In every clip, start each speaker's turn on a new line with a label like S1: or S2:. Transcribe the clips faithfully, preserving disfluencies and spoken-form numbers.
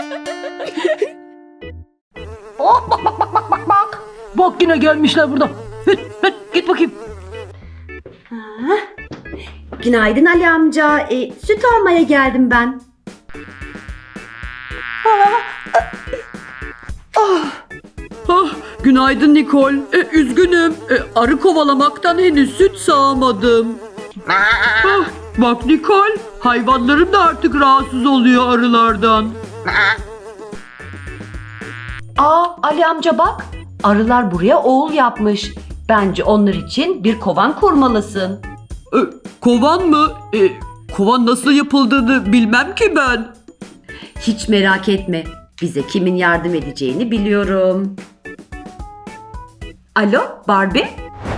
S1: Oh, bak bak bak bak bak bak. Bak yine gelmişler burada. Hıt, hıt, git bakayım.
S2: Günaydın Ali amca. E, süt almaya geldim ben.
S3: Ah, günaydın Nikol. E, üzgünüm. E, arı kovalamaktan henüz süt sağamadım. Ah, bak Nikol, hayvanlarım da artık rahatsız oluyor arılardan.
S2: Aa Ali amca bak. Arılar buraya oğul yapmış. Bence onlar için bir kovan kurmalısın.
S3: E, kovan mı? E, kovan nasıl yapıldığını bilmem ki ben.
S2: Hiç merak etme. Bize kimin yardım edeceğini biliyorum. Alo Barbie?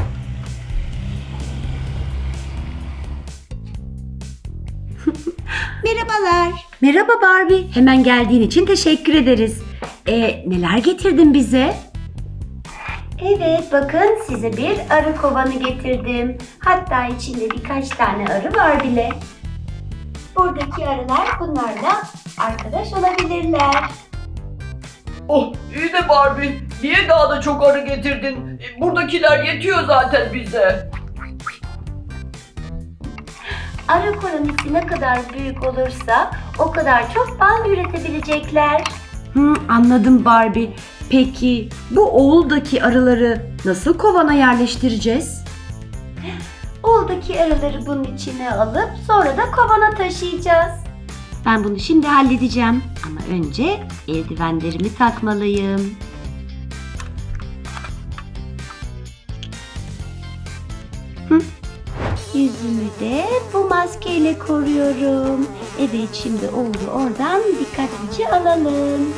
S2: Merhabalar. Merhaba Barbie. Hemen geldiğin için teşekkür ederiz. E, neler getirdin bize? Evet bakın size bir arı kovanı getirdim. Hatta içinde birkaç tane arı var bile. Buradaki arılar bunlarla arkadaş olabilirler.
S3: Oh, iyi de Barbie, niye daha da çok arı getirdin? E, buradakiler yetiyor zaten bize.
S2: Arı kolonisi ne kadar büyük olursa o kadar çok bal üretebilecekler. Hı, anladım Barbie. Peki bu oğuldaki arıları nasıl kovana yerleştireceğiz? Oğuldaki arıları bunun içine alıp sonra da kovana taşıyacağız. Ben bunu şimdi halledeceğim. Ama önce eldivenlerimi takmalıyım. Hı. Yüzümü de bu maskeyle koruyorum. Evet şimdi oğlu oradan dikkatlice alalım.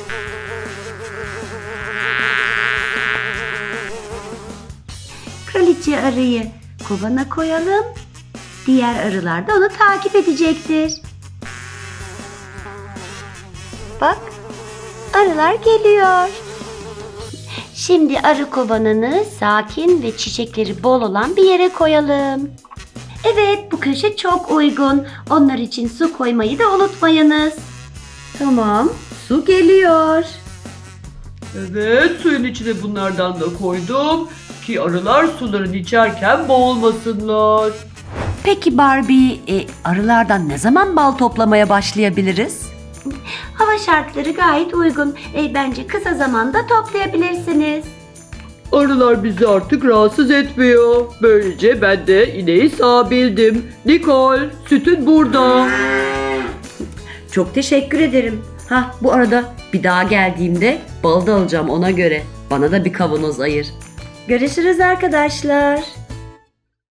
S2: Kraliçe arıyı kovana koyalım. Diğer arılar da onu takip edecektir. Bak, arılar geliyor. Şimdi arı kovanını sakin ve çiçekleri bol olan bir yere koyalım. Evet, bu köşe çok uygun. Onlar için su koymayı da unutmayınız. Tamam, su geliyor.
S3: Evet, suyun içine bunlardan da koydum ki arılar sularını içerken boğulmasınlar.
S2: Peki Barbie, e, arılardan ne zaman bal toplamaya başlayabiliriz? Hava şartları gayet uygun. E, bence kısa zamanda toplayabilirsiniz.
S3: Arılar bizi artık rahatsız etmiyor. Böylece ben de ineği sağabildim. Nikol, sütün burada.
S2: Çok teşekkür ederim. Ha, bu arada bir daha geldiğimde bal da alacağım ona göre. Bana da bir kavanoz ayır. Görüşürüz arkadaşlar.